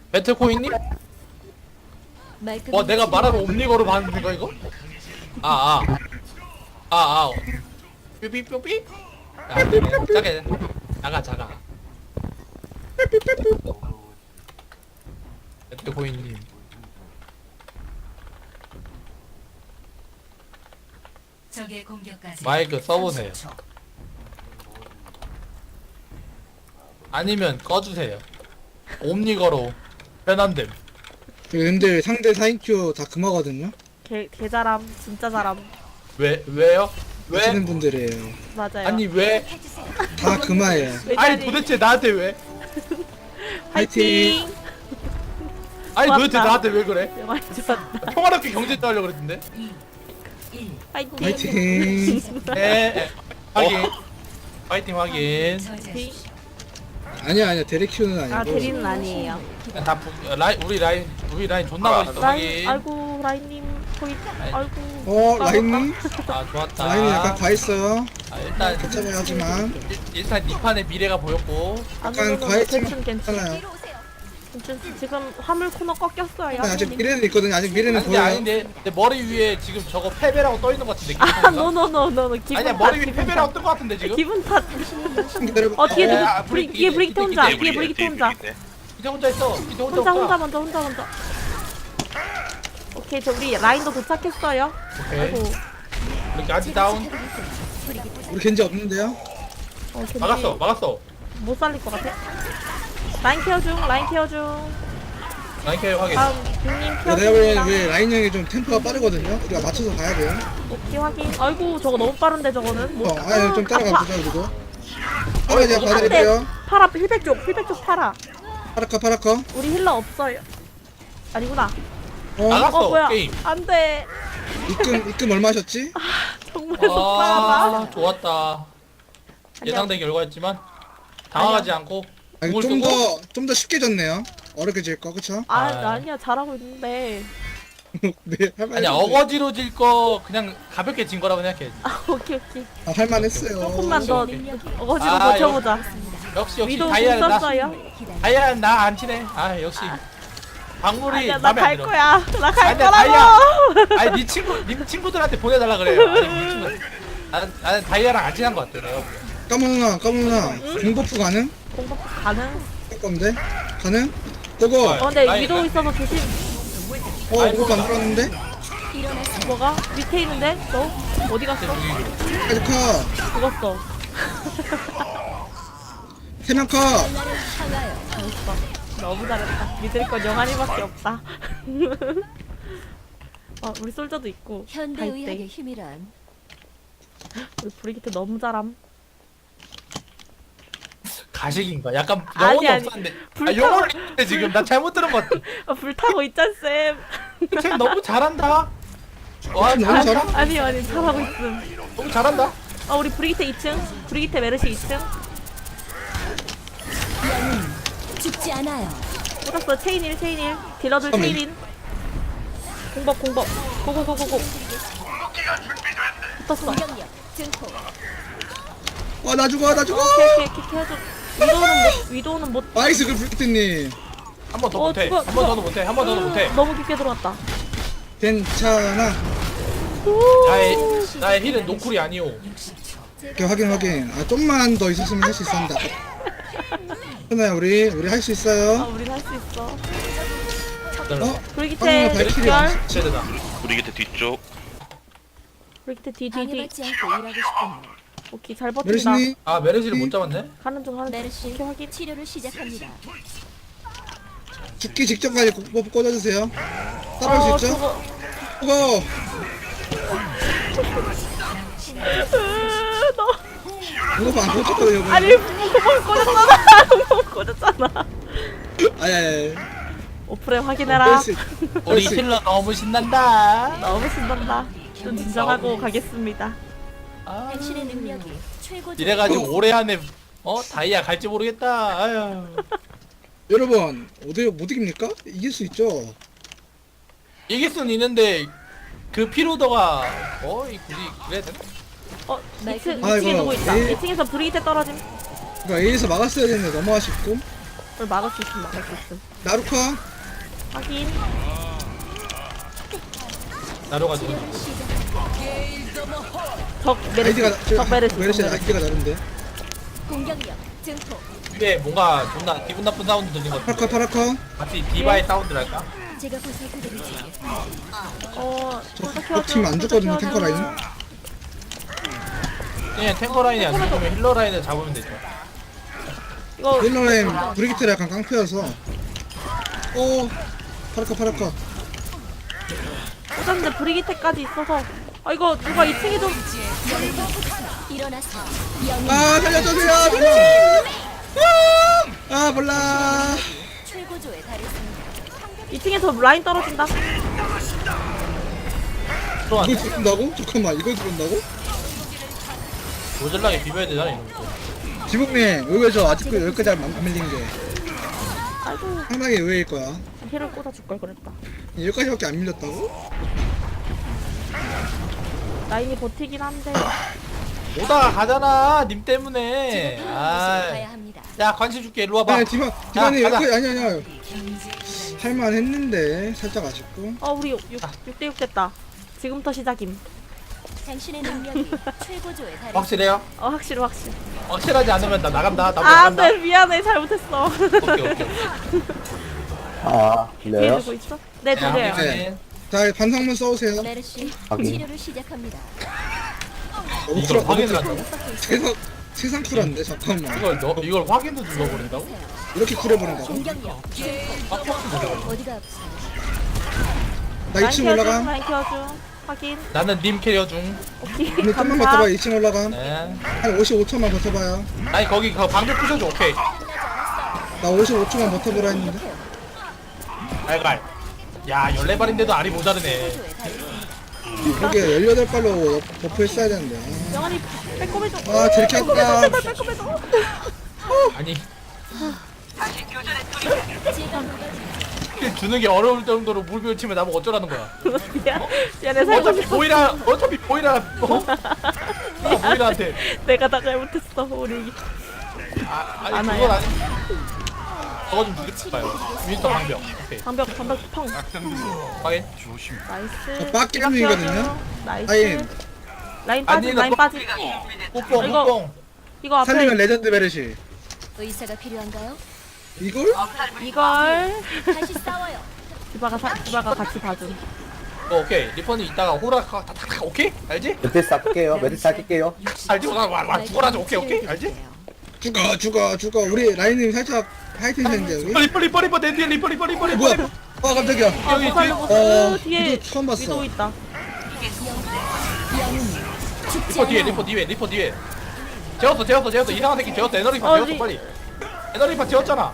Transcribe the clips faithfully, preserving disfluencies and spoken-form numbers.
배틀코인님? 와 내가 말하는 옴니거로 봤는데 이거 이거? 아아 아아 삐삐삐삐? 아 자게 나가 자가 배틀코인님 적의 공격까지 마이크 써보세요. 아니면 꺼주세요. 옴니거로 편한됨. 근데 상대 사 인큐 다 금화거든요? 개, 개 잘함 진짜 잘함. 왜 왜요? 왜? 하시는 분들이에요. 맞아요. 아니 왜? 다 금화예요. 아니 도대체 나한테 왜? 화이팅! 아니 좋았다. 도대체 나한테 왜 그래? 영화 좋았다. 평화롭게 경제 따려고 그랬는데? 파이팅. 화이팅! 네 네. 확인. 파이팅 확인. 아니야 아니야 데레큐는 아니고 아 대리는 아니에요. 다 부, 라인 우리 라인 우리 라인 존나 멋있어 라인 확인. 아이고 라인님 거의 아이고. 어 라인님? 아 좋았다. 라인이 약간 과했어요. 아, 일단 괜찮아요 하지만 일- 일단 니 판의 미래가 보였고. 약간 과했지만 괜찮 괜찮. 괜찮아요. 괜찮. 지금 화물 코너 꺾였어요. 아직 미래는 있거든요. 아직 미래는 아닌데 보여요. 아닌데 내 머리 위에 지금 저거 패배라고 떠 있는 것 같은데. 아 기분가? 노노노노노 기분 아니야 탓, 머리 위에 기분 패배라고 탓. 뜬 것 같은데 지금. 기분 탓. 기다려봐. 어 뒤에 누구? 아, 브리, 브리기, 뒤에 브리기트 브리기, 혼자. 브리기, 뒤에 브리기트 혼자. 이제 혼자 있어. 이제 혼자 혼자 없다. 혼자 먼저 혼자 먼저. 오케이 저 우리 라인도 도착했어요. 오케이. 아이고. 이렇게 아직 다운. 우리 겐지 없는데요? 어, 겐지 막았어 막았어. 못 살릴 것 같아. 라인 케어 중 라인 케어 중. 라인 케어 확인. 다음 빅님 야, 케어 내가 보기엔 중입니다. 왜 라인 형이 좀 템포가 빠르거든요? 우리가 맞춰서 가야 돼요. 오케이 확인. 아이고 저거 너무 빠른데 저거는. 못- 어, 아니 좀 따라가 아파. 보자 그리고. 어, 제가 안돼. 봐드릴게요. 파라 힐백 쪽 힐백 쪽 파라. 파라커 파라커. 우리 힐러 없어요. 아니구나. 어, 나갔어 어 뭐야? 게임. 안돼. 입금 입금 얼마 하셨지? 정말 속상하다. 아 좋았다. 예상된 결과였지만 당황하지 않고 아니 공을 좀 쓰고 더 좀 더 쉽게 졌네요. 어렵게 질 거, 그쵸? 아, 아. 아니야 잘하고 있는데. 네, 할만. 아니야 어거지로 질 거 그냥 가볍게 진 거라고 생각해. 아 오케이 오케이. 아, 할만했어요. 조금만 더 오케이, 어거지로 아, 버텨보자. 역시 역시 위도 다이아는 나 썼어요. 다이아는 나 안 치네. 아 역시 박물이 아니야 맘에 안 나갈 들어. 거야. 나 갈 아니야, 거라고. 아니 네 친구 네 친구들한테 보내달라 그래요. 아니 네 친구. 나는 나는 다이아랑 안 친한 것 같아. 내가 보기엔. 까먹나 까먹나. 공버프 가능? 공법 가능? 할 건데 가능? 고고. 어. 어 근데 라인, 위도 라인. 있어서 조심. 어, 공버프 안 들어왔는데? 뭐가? 밑에 있는데? 너? 어디 갔어? 아직 컷. 죽었어. 세명 컷. 잘했어. 너무 잘했다. 믿을 건 영환이밖에 없다. 어, 우리 솔저도 있고. 현대의학의 갈대. 힘이란 우리 브리기트 너무 잘함. 가식인가? 약간 아니, 영혼이 아니. 없었는데. 아 불타고- 영혼을 했는데 지금 나 잘못 들은 것 같아. 아, 불타고 있잖 쌤. 쟤 너무 잘한다. 와 너무 잘한다. 잘하- 아니 아니 잘하고 있음. 너무 잘한다. 어 우리 브리기트 이 층. 브리기트 메르시 이 층. 죽지 않아요. 꽂았어. 체인 일 체인 일. 딜러들 잠깐만. 체인 인. 공법 공법. 고고고고고. 붙었어. 공격력 증폭. 어, 나 죽어, 나 죽어. 오케이 오케이 오케이 해줘. 위도우는 못 위도우는 못. 나이스 그 브리트님. 한 번 더 어, 못해. 죽어, 한 번 죽어. 더도 못해. 한 번 더도 못해. 너무 깊게 들어왔다. 괜찮아. 나의 나의 힐은 노쿨이 아니오. 오케이, 확인 확인. 아 좀만 더 있었으면 할 수 있었는데. 현아야 우리 우리 할 수 아 있어요. 우린 할 수 있어. 어? 브리기트 방금 발키리 열. 완성. 쟤들다. 우리 곁에 뒤쪽 브리기트 D D D. 방해받지 않고 일하고 싶군요. 오케이 잘 버틴다. 메르시니 아 메르시를 못 잡았네. 가는 중 하는 중. 메르시 오케이 확인. 치료를 시작합니다. 죽기 직전까지 공버프 꽂아주세요. 따라올 어 수 있죠? 저거. 고고. 으, 너. 공버프 안 꽂혔거든요. 아니 구멍 꽂았잖아. 구멍 꽂았잖아. 아니 아니. 오프레 확인해라. 우리 힐러 너무 신난다. 너무 신난다. 좀 진정하고 가겠습니다. 아, 당신의 능력이 최고. 이래가지고 올해 안에 어 다이아 갈지 모르겠다. 아유. 여러분 어디 못 이깁니까? 이길 수 있죠. 이길 수는 있는데 그 피로도가 어 이- 굳이 그래야 되나? 어 이 층 아, 이 층에 이거 누구 있다. 에이. 이 층에서 브리기테 떨어짐. 그러니까 A에서 막았어야 되는데 너무 아쉽고. 그걸 막을 수 있음 막을 수 있음. 나루커 확인. 나로가 누구? 적 메르시. 아이디가 적 메르시. 적 메르시 메르시. 아이디가 다른데. 공격력 증폭. 위에 뭔가 존나 기분 나쁜 사운드 들린 것 파라커 같은데 파라커. 같이 디바의 사운드랄까? 제가 보살펴드리지. 어. 적팀 안 죽거든요 탱커 라인. 그냥 탱커 라인이 안 죽으면 힐러 라인을 잡으면 되죠. 이거 힐러 라인 브리기트가 약간 깡패여서. 오 파라커 파라커. 어쩐지 브리기테까지 있어서. 아 이거 누가 이 층에 좀. 일어나서 영웅 아 살려주세요 살려. 아 몰라. 최고조에 달했습니다. 이 층에서 라인 떨어진다. 들어왔네. 이걸 죽는다고? 잠깐만 이걸 죽는다고? 모질라게 비벼야 되잖아 이런 거. 지붕님 의외죠 아직도 여기까지 안 안 밀린 게 아이고. 상당히 의외일 거야. 힐을 꽂아 줄 걸 그랬다. 여기까지밖에 안 밀렸다고? 라인이 버티긴 한데. 오다가 가잖아 님 때문에. 제가 아, 가야 합니다. 야 관심 줄게 일로 와봐. 아니 디바 디바님 가자. 여기까지 아니 아니야. 할만 했는데 살짝 아쉽고. 어 우리 육 대 육 됐다. 지금부터 시작임. 당신의 능력이 최고조에 달했습니다. 확실해요? 어 확실히 확실. 확실하지 않으면 나 나간다. 나 아 나간다. 안돼 미안해 잘못했어. 오케이 오케이. 아, 뒤에 들려요? 누구 있어? 네 야, 들려요. 네. 자 반성문 써오세요. 메르시 확인. 치료를 시작합니다. 너무 이걸 쿨하- 확인을 너무 한다고? 쿨- 세상 세상 쿨한데 잠깐만. 이걸 너 이걸 확인도 눌러버린다고? 이렇게 쿨해버린다고? 공격력 어디가 아프세요? 나 라인 이 층 키워줘. 올라감. 라인 키워줘. 확인. 나는 님 캐리어 중. 오케이. 오늘 좀만 감사. 버텨봐. 이 층 올라감. 네. 한 오십오 초만 버텨봐요. 아니 거기 그 방벽 부셔줘. 오케이. 나 오십오 초만 버텨보라 했는데. 알갈. 야 열네 발인데도 알이 모자르네. 최고조에 달했습니다. 그게 열여덟 발로 버프 했어야 되는데. 영환이 빼꼼해줘. 아 저렇게 했다. 빼꼼해줘. 아니 제가 녹여드리죠. 주는 게 어려울 정도로 물비를 치면 나보고 어쩌라는 거야. 미안. 미안해 살고 어차피 싶어. 보이라 어차피 보이라 어? 어 보이라한테. 내가 다 잘못했어 우리. 아 아니 안 그건 와요. 아니. 저거 좀 죽일까요? 윈터 방벽. 오케이. 방벽 방벽 펑. 확인. 나이스. 빡 게임이거든요. 나이스. 라인. 라인 아니, 빠진 나 라인 뭐- 빠진. 뽀뽕 이거- 뽀뽕. 이거 앞에 살리면 레전드 베르시. 의사가 필요한가요? 이걸? 이걸 다시 싸워요. 디바가 사, 디바가 같이 봐준. 어, 오케이. 리펀이 이따가 호라카 타타타 오케이? 알지? 매트리스 아낄게요. 매트리스 아낄게요. 알지? 와와 죽어라죠. 오케이 오케이. 알지? 죽어 죽어 죽어. 우리 라인님 살짝 하이텐션인데 여기. 리퍼 리퍼 리퍼 리퍼 내 뒤에 리퍼 리퍼 리퍼 리퍼. 뭐야? 어 깜짝이야. 아 여기 못살려 뒤에- 못 어, 뒤에 이거 처음 봤어. 위도 있다. 죽지 리퍼 뒤에 않아요. 리퍼 뒤에 리퍼 뒤에. 재웠어 재웠어 재웠어 이상한 새끼 재웠어 에너리파 어디? 재웠어 빨리. 에너리파 재웠잖아.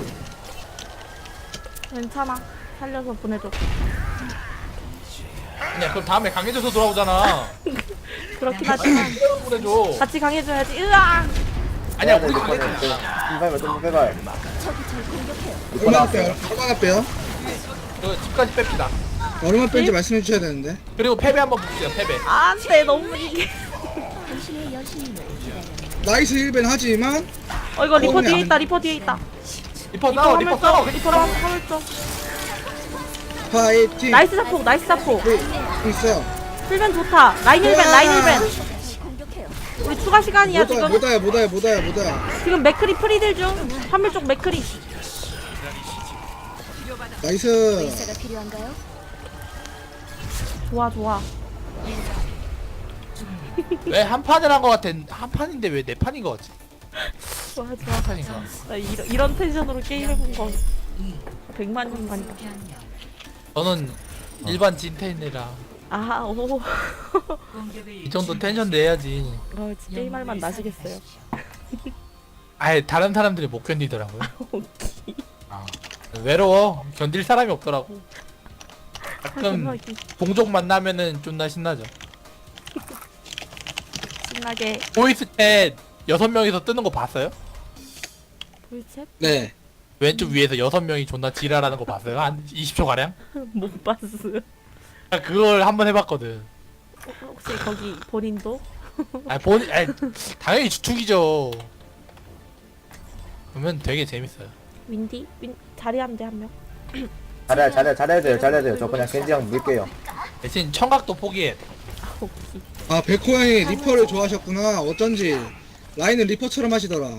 괜찮아. 살려서 보내줘. 아니야 그럼 다음에 강해져서 돌아오잖아. 그렇긴 하지만 보내줘. 같이 강해줘야지. 으아. 아니야 네, 우리 네, 네, 강해져. 네. 이발 좀 빼발. 적이 절 공격해요. 얼마나 빼요? 얼마나 빼요? 그 집까지 뺍시다. 얼마 뺀지 말씀해 주셔야 되는데. 그리고 패배 한번 봅시다 패배. 안돼 너무 이게. 당신의 여신님을 기다려. 나이스 힐벤 하지만 어 이거 리퍼 어, 뒤에 안- 있다. 리퍼 뒤에 있다. 리퍼 싸워 리퍼 싸워. 리퍼랑 화물 좀. 파이팅. 나이스 자폭. 나이스 자폭. 네, 있어요. 힐벤 좋다. 라인 힐벤. 라인 힐벤. 다시 공격해요. 우리 추가 시간이야 못와요 지금. 못와요 못와요 못와요 못와요. 지금 맥크리 프리딜 중. 화물 쪽 맥크리. 나이스. 의사가 필요한가요? 좋아 좋아. 왜 한 판을 한 거 같아? 한 판인데 왜 네 판인 거 같지? 좋아 좋아. 한 판인가? 나 이런, 이런 텐션으로 게임해본 거 백만 년 만이다. 저는 일반 진텐이라 아, 오. 이 정도 텐션 내야지. 어, 진짜 게임할 맛 나시겠어요. 아예 다른 사람들이 못 견디더라고요. 아, 외로워. 견딜 사람이 없더라고. 가끔 동족 만나면은 존나 신나죠. 신나게 보이스 챗 여섯 명이서 뜨는 거 봤어요? 볼챗? 네. 왼쪽 위에서 여섯 명이 존나 지랄하는 거 봤어요? 한 이십 초 가량? 못 봤어. 그걸 한번 해봤거든. 혹시 거기 본인도? 아 본, 아 당연히 주축이죠. 그러면 되게 재밌어요. 윈디? 윈 자리하면 돼 한 명. 잘해 잘해 잘해야 돼요 잘해야 돼요. 저 그냥 겐지 형 밀게요. 대신 청각도 포기해. 아, 오케이. 아 백호 형이 리퍼를 좋아하셨구나. 어쩐지 라인은 리퍼처럼 하시더라.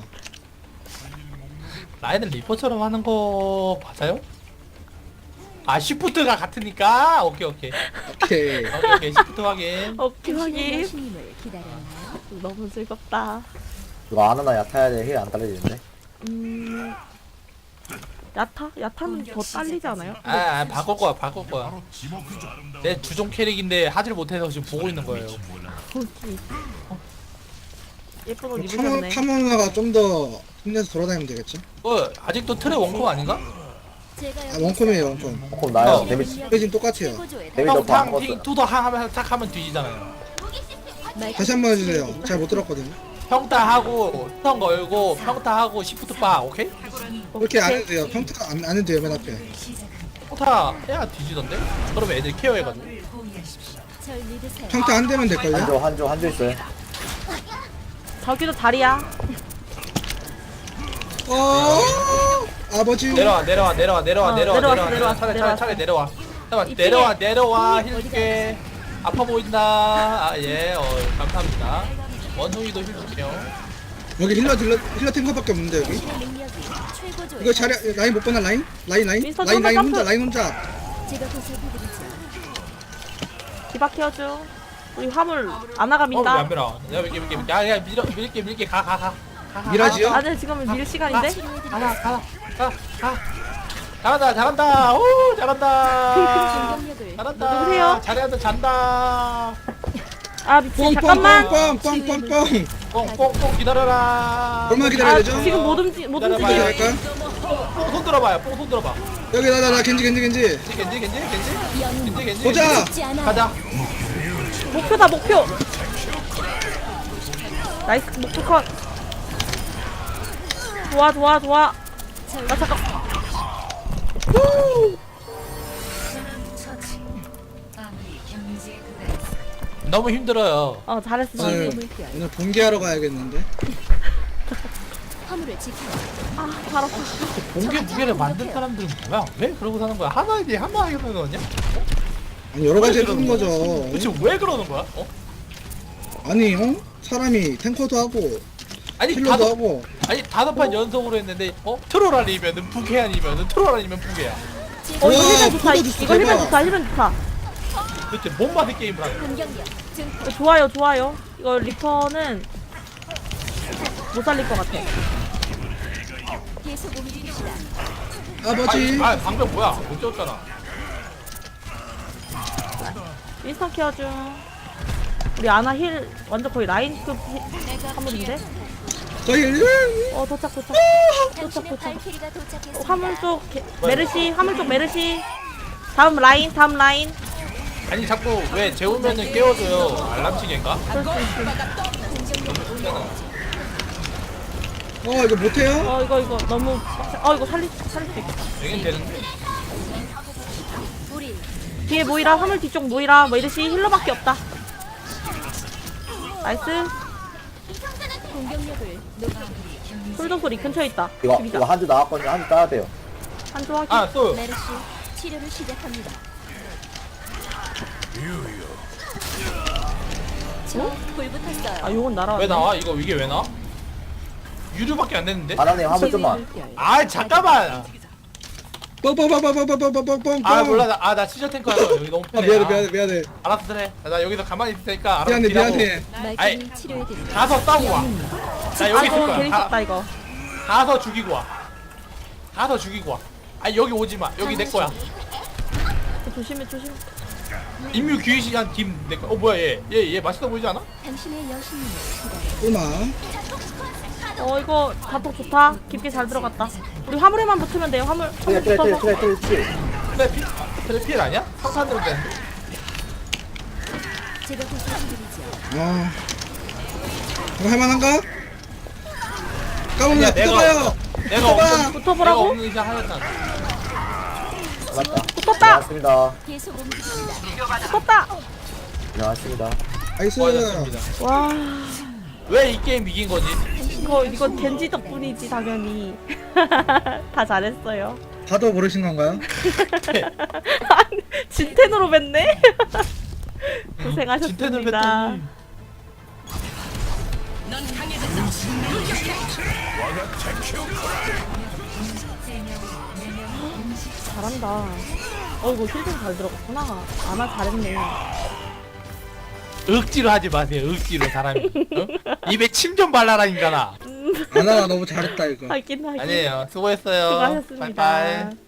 라인은 리퍼처럼 하는 거 맞아요? 아 시프트가 같으니까 오케이 오케이 오케이. 오케이 오케이 시프트 확인. 오케이 당신의 확인. 여신님을 기다렸나요? 너무 즐겁다. 이거 안 하나 얕아야 돼. 힐 안 딸리는데. 음. 야타? 야타는 더 딸리지 않아요? 아, 아 바꿀 거야 바꿀 거야. 내 주종 캐릭인데 하질 못해서 지금 보고 있는 거예요. 오케이. 예쁜 옷 카모, 입으셨네. 카모나가 좀 더 힘내서 돌아다니면 되겠죠? 어 아직도 트레 원콤 아닌가? 제가 아 원콤이에요 원콤. 그럼 나요. 어. 데미지 페이지는 똑같아요. 최고조에 데미지 더 평탕 바꿨어요. 팅 투더 항 하면 딱 하면 뒤지잖아요. 다시 한 번 해주세요. 잘 못 들었거든요. 평타 하고 스턴 걸고 평타 하고 시프트 빠 오케이? 그렇게 안 해도 돼요. 평타 안, 안 해도 돼요 맨 앞에. 평타 해야 뒤지던데? 그러면 애들 케어해가지고. 절 믿으세요. 평타 안 되면 될걸요? 한조 한조 한조 있어요. 저기도 다리야. 어 아버지. 내려와 내려와 내려와 내려와 어, 내려와 내려왔어, 내려와 내려왔어, 차례 차례 내려왔어. 차례 내려와 내려와 이쪽에. 내려와 내려와 힐줄게. 아파 보인다. 아예 어 감사합니다. 원숭이도 힐줄게요. 여기 힐러 딜러 힐러 탱커밖에 없는데 여기. 당신의 능력이 최고조에 이거 자리 라인 못 보나 라인? 라인 라인? 윈스턴 라인 라인 점프, 혼자 점프. 라인 혼자. 제가 보살펴드리죠. 디바 케어줘. 우리 화물 아나가 어, 민다. 왜안 밀어? 내가 밀게 밀게 밀게. 야, 야, 밀어 밀게 밀게 가 가 가. 가, 가, 밀어지요? 아, 네, 지금은 밀 시간인데? 가라 가라 가 가. 잘한다 잘한다. 오 잘한다. 공격력을 잘한다. 누구세요? 잘한다 잔다. 아, 미친. 잠깐만. 뻥뻥뻥뻥뻥뻥. 뽕뽕뽕 기다려라. 얼마 기다려야 아, 되죠? 지금 못 움직, 못 기다려봐요. 움직여. 어떻게 할까? 뽕손 들어봐요. 뽕손 들어봐. 여기 나나 나 겐지 겐지 겐지. 겐지 겐지 겐지 겐지 겐지 겐지. 보자. 죽지 않아. 가자. 목표다, 목표. 나이스, 목표 컷. 좋아, 좋아, 좋아. 아, 잠깐. 후! 너무 힘들어요. 어, 잘했어. 오늘 물결 오늘 본계하러 가야겠는데. 화물을 지켜요. 아, 잘했어. 공개 무게를 만든 사람들은 뭐야? 왜 그러고 사는 거야? 하나에 대해 하나에 사는 거냐? 아니 여러 가지 왜 해주는 그러는 거죠. 도대체 왜 그러는 거야? 어? 아니 어? 사람이 탱커도 하고 아니 힐러도 다섯 하고. 아니 다섯 판 연속으로 했는데 어 트롤 아니면은 부캐 아니면은 트롤 아니면 부캐야. 어, 이거 우와, 힐면 좋다. 포도 주스 이거 힐면 대박. 좋다, 힐면 좋다. 도대체 뭔 맛의 게임을 하는 거야? 공격력 증폭. 이거 좋아요, 좋아요. 이거 리퍼는 못 살릴 것 같아. 계속 움직입시다. 아버지. 아, 아 방금 뭐야? 못 쳤잖아. 윈스턴 케어 중. 우리 아나 힐 완전 거의 라인급 힐- 화물인데? 저희 어, 도착, 도착. 도착, 당신의 도착. 발키리가 어, 도착했습니다. 화물 쪽 게- 메르시, 화물 쪽 메르시. 다음 라인, 다음 라인. 아니 자꾸 왜 재우면은 깨워줘요? 알람시계인가? 그럴 수 있지. 어 이거 못해요? 어, 이거, 이거 너무. 어, 이거 살릴, 살릴 수 있겠다. 되긴 되는데. 우리 뒤에 모이라, 화물 뒤쪽 모이라. 메르시 힐러밖에 없다. 나이스. 공격력을 높여. 솔저 소리 근처에 있다. 이거 죽이자. 이거 한조 나왔거든요. 한조 따야 돼요. 한조 확인. 아 또. 메르시 치료를 시작합니다. 저불 붙었어요. 아, 요건 날아왔네. 왜 나와? 이거 이게 왜 나와? 유료밖에 안 됐는데? 하나님 화물 좀만. 아 잠깐만. 뻥뻥뻥뻥뻥뻥뻥뻥뻥. 아 몰라 아나 시저 탱커 할 거야. 여기 너무 아 편해. 미안해 아, 미안해 미안해. 알았어 그래. 나 여기서 가만히 있을 테니까 알아서 미안해 딜하고. 미안해. 아이. 말끔히 치료해드립니다. 가서 싸우고 와. 나 여기 있을 아이고, 거야. 재밌었다, 가, 이거. 가서 죽이고 와. 가서 죽이고 와. 아니 여기 오지 마. 여기 내 거야. 조심해, 조심해. 인류 귀신한 김내 거야. 어 뭐야 얘. 얘 얘 맛있어 보이지 않아? 당신의 여신님을 기다려. 꿀마. 어, 이거 다톡 좋다. 깊게 잘 들어갔다. 우리 화물에만 붙으면 돼요, 화물. 트레 화물 트레 트레 붙어서. 트레 트레 트레. 그래 피 그래 필 아니야? 상탄으로 되는데. 제가 보살펴드리죠. 아 이거 할만한가? 까먹냐 아니야, 내가 붙어봐요. 내가 없는 붙어보라고? 내가 없는 이상 하였잖아. 맞다. 붙었다! 고맙습니다. 계속 움직입시다. 붙었다! 고맙습니다. 나이스. 수고하셨습니다. 와. 왜 이 게임 이긴 거지? 이거 이건 겐지 덕분이지 당연히. 다 잘했어요. 봐도 모르신 건가요? 진텐으로 뵀네. 진텐을 고생하셨습니다. 뺐더니 잘한다. 어 이거 힐좀 잘 들어갔구나. 아나 잘했네. 억지로 하지 마세요. 억지로 사람이. 어? 입에 침 좀 발라라 인간아. 아나가 너무 잘했다 이거. 하긴 하긴. 아니에요. 수고했어요. 수고하셨습니다. 빠이빠이.